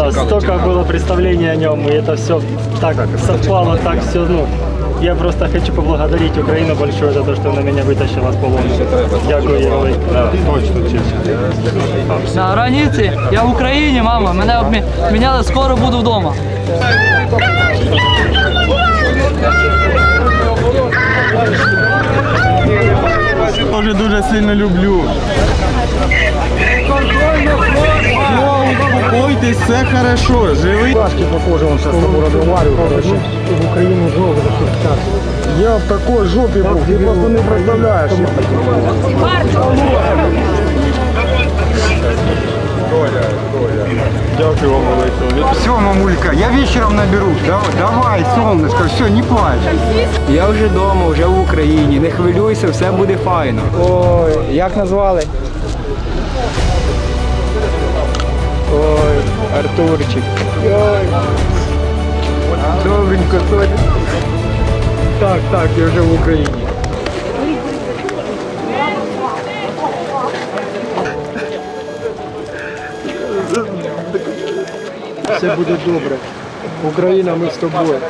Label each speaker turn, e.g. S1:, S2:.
S1: Да, столько было представлений о нем, и это все так совпало, так все, ну. Я просто хочу поблагодарить Украину большое за то, что она меня вытащила с полона. Дякую, їй велике.
S2: Точно, чесно.
S3: На границі, я в Україні, мама, мене обміняли, скоро буду вдома.
S2: Тоже дуже сильно люблю. Успокойтесь, все хорошо, живий.
S1: Пашки похоже, он сейчас с тобой разговаривал, короче. В Украину знову захищати.
S2: Я в такой жопі був, ти просто не представляєш. Дякую вам, велике.
S4: Все, мамулька, я вечером наберусь. Давай, солнышко, все, не плачь.
S5: Я вже вдома, вже в Україні. Не хвилюйся, все буде файно. Ой, як назвали? Ой, Артурчик. Ой. Добренько, Толя. Так, я вже в Україні.
S1: Все буде добре. Україна, ми з тобою.